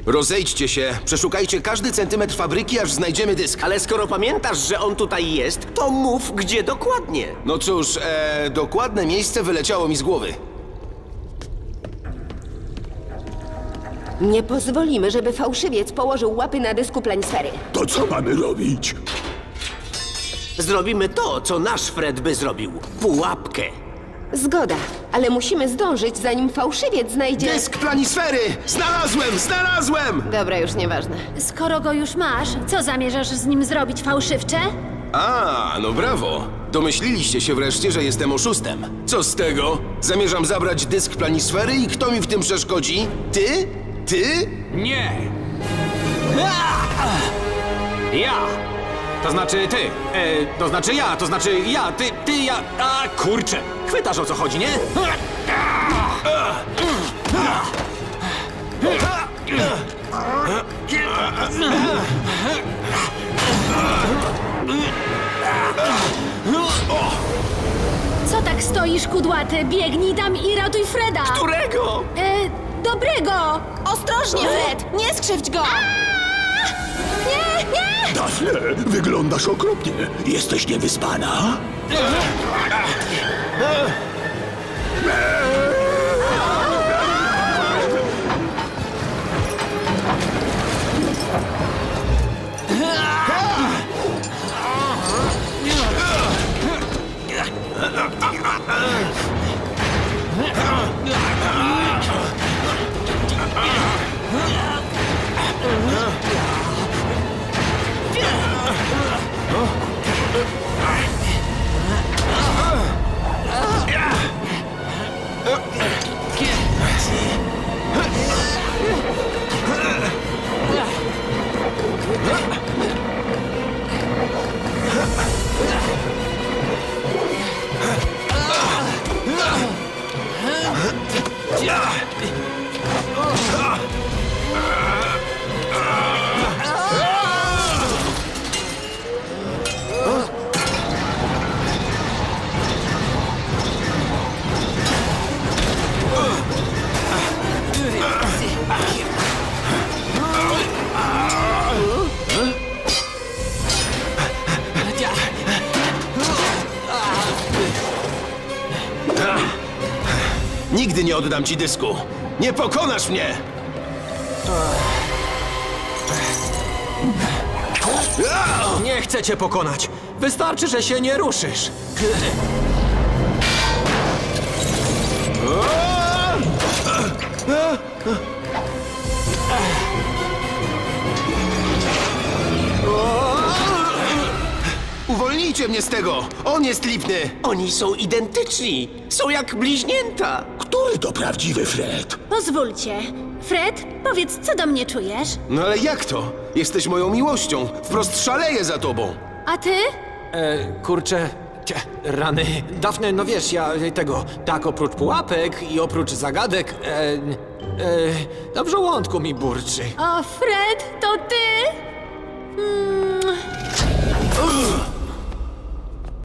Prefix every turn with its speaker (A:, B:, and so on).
A: Rozejdźcie się, przeszukajcie każdy centymetr fabryki, aż znajdziemy dysk.
B: Ale skoro pamiętasz, że on tutaj jest, to mów, gdzie dokładnie.
A: No cóż, dokładne miejsce wyleciało mi z głowy.
C: Nie pozwolimy, żeby fałszywiec położył łapy na dysku planisfery.
D: To co mamy robić?
B: Zrobimy to, co nasz Fred by zrobił. Pułapkę.
C: Zgoda, ale musimy zdążyć, zanim fałszywiec znajdzie...
A: Dysk planisfery! Znalazłem!
C: Dobra, już nieważne.
E: Skoro go już masz, co zamierzasz z nim zrobić, fałszywcze?
A: A, no brawo. Domyśliliście się wreszcie, że jestem oszustem. Co z tego? Zamierzam zabrać dysk planisfery i kto mi w tym przeszkodzi? Ty? Ty?
F: Nie! Ja! To znaczy ty. To znaczy ja, to znaczy ja, ty, ja. A kurczę! Chwytasz, o co chodzi, nie?
E: Co tak stoisz, kudłaty? Biegnij tam i ratuj Freda!
B: Którego?
E: Dobrego!
C: Ostrożnie, Fred! Nie skrzywdź go!
E: Nie, nie!
D: Daphne, wyglądasz okropnie. Jesteś niewyspana?
A: Nigdy nie oddam ci dysku. Nie pokonasz mnie!
F: Nie chcę cię pokonać. Wystarczy, że się nie ruszysz.
A: Uwolnijcie mnie z tego! On jest lipny!
B: Oni są identyczni. Są jak bliźnięta.
D: Który to prawdziwy Fred?
E: Pozwólcie. Fred, powiedz, co do mnie czujesz?
A: No ale jak to? Jesteś moją miłością. Wprost szaleję za tobą.
E: A ty?
F: Kurczę. Rany. Daphne, no wiesz, ja tego. Tak, oprócz pułapek i oprócz zagadek. Na żołądku mi burczy.
E: O, Fred, to ty?